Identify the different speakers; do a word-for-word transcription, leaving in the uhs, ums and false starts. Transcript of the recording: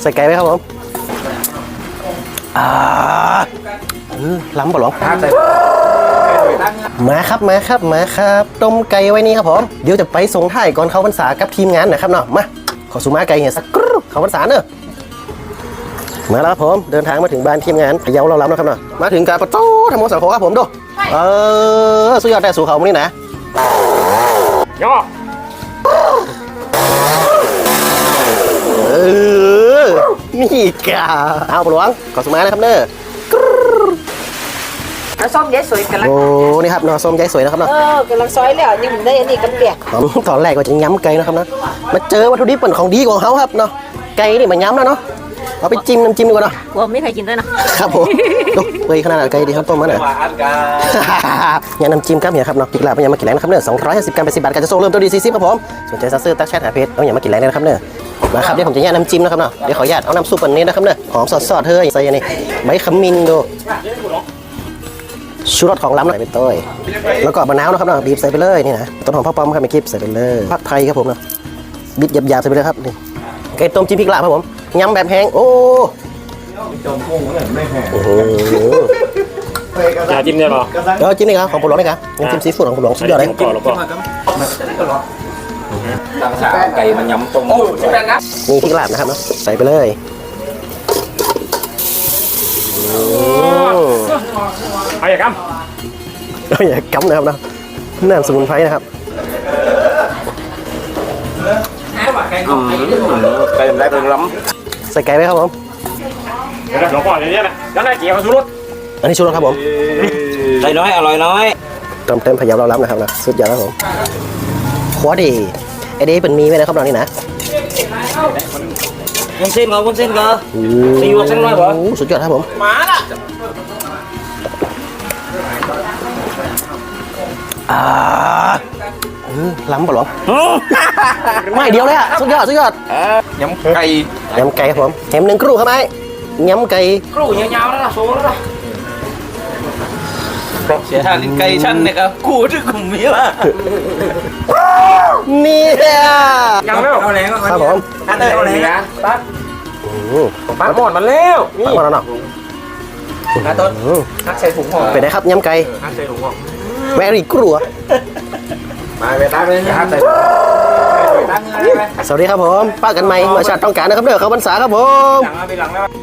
Speaker 1: ส่ไก่ไหมครับผมอ่าเออล้ำปะหลวงมาครับมาครับมาครับต้มไก่ไว้นี่ครับผมเดี๋ยวจะไปส่งท้ายก่อนเข้าพรรษากับทีมงานนะครับเนาะมาขอสุมาไก่เหี้ยสักกรุ๊ปเข้าพรรษาเนอะมาแล้วครับผมเดินทางมาถึงบ้านทีมงานพะเยาเราล้ำนะครับเนาะมาถึงการประตูธรรมโมสังโฆครับผมดูเออสุดยอดได้สู่เขาวันนี้นะย่อเออนี่กาเอาปลวงขอสุมานะครับเนอะ
Speaker 2: น้ำส้มยายสวยกันละ
Speaker 1: โอ้นี่ครับเนาะส้มยายสวยนะครับเนาะ
Speaker 2: เออกำลังซอยแล้วนี่มันได้อันนี้กันเปียก
Speaker 1: ตอนแรกก็จะย้ำไก่นะครับนะมาเจอวัตถุดิบเป็นของดีของเขาครับเนาะไก่นี่มันย้ำแล้วเนาะเอาไปจิ้มน้ำจิ้มดีกว่าเนาะ
Speaker 2: กลัวไม่ใครกินด้วยนะครับ
Speaker 1: ผมดูเปื่อยขนาดไก่ดีครับต้มมาหน่อยเนี่ยน้ำจิ้มครับเนี่ยครับเนาะพริกลาบเป็นยังมากินแรงนะครับเนื้อสองร้อยห้าสิบกรัมเป็นสิบบาทการจะส่งเริ่มต้นดีสี่สิบครับผมสนใจซัสเซอร์ตักแชทหาเพจเอาอย่างมากินแรงเลยนะครับเนื้อมาครับเดี๋ยวผมจะแยกน้ำจิ้มนะครับเนาะเดี๋ยวขออนุญาตเอาน้ำซุปอันนี้นะครับเนื้อหอมสดๆเฮ้ยใส่อันนี้ใบขมิ้นดูชูรสของล้ำหน่อยเป็นต้ยแล้วก็มะนาวนะครับเนาะบีบใส่ไปเลยนี่นะต้นหอมพ่อป้อมครับไม่คลิปใส่ไปเลยผักไทยครับผมเนาะบิดหยาบๆใส่ไปเลยครับนี่ไก่ต้มจิ้มพริกลาบครับผมยำแบบแห้งโอ้
Speaker 3: อย่าจิ้มได้หรอ
Speaker 1: เดี๋ยวจิ้มนี่ครับของผมหลวงนี่ครับยังจิ้มซีฟู้ดของผมหลวงสุดยอดเลย
Speaker 3: ก่อนแล้วก็
Speaker 4: ต่างชาติไก่มันย้ำตรง
Speaker 1: นี่พริกลาบนะครับเนาะใส่ไปเลย
Speaker 3: เอาอย่ากำ
Speaker 1: เอาอย่ากำนะครับเนาะน้ำสมุนไพรนะครับ
Speaker 4: ไก่ได้เป็นล้
Speaker 1: ใส่ไก่ไหมครับผม
Speaker 3: เดี๋ยวหลวงพ่ออย่างนี้นะแล้วนายเกี่ยวกับสุรส
Speaker 1: อันนี้ชูรสครับผม
Speaker 4: ำไก่น้อยอร่อยน้อย
Speaker 1: เติมเต็มพะเยาเราล้ำนะครับนะสุดยอดครับผมขวดดีไอเด้เป็นมีไหมนะครับเรานี่นะ
Speaker 4: วุ้นเส้นก็วุ้นเส้นก็ซีอิ๊วเส้นน้อยบ่
Speaker 1: โอ้สุดยอดครับผม
Speaker 4: มาละ
Speaker 1: อ่าเออล้ำปะหรอไม่เดียวเลยอ่ะสุดยอดสุดยอด
Speaker 4: ย้ำไก่
Speaker 1: ยำไก่ครับผมแถมหนึ่งครู่ครับไอ้ยำไก่
Speaker 4: กรูยาวๆแล้วล่ะโซ่แล้วล่ะเสียทานไก่ชั้นเนี่ยครับกูที่กลุ่มนี้ว่ะ
Speaker 1: นี่แหละ
Speaker 4: ยังไม่เอาแรงก็
Speaker 1: ครับผม
Speaker 4: อันเดียวเลยนะปั๊บ
Speaker 1: อืม
Speaker 4: ปั๊บหมดมันแล้วนี่
Speaker 1: มาแล้วเนาะ
Speaker 4: นะต้นนักใส่ถุงห่อ
Speaker 1: เป็นไงครับยำไก่
Speaker 4: นักใส่ถุงห่อ
Speaker 1: แมรี่กลัว
Speaker 4: มาไปตั้งเลยนะใส่ตั้งเลยไหม
Speaker 1: สวัสดีครับผมป้ากันใหม่เมื่อชาติต้องการนะครับเด้อเขาพรรษาครับผม
Speaker 4: หลังเอาไปหลังแล้ว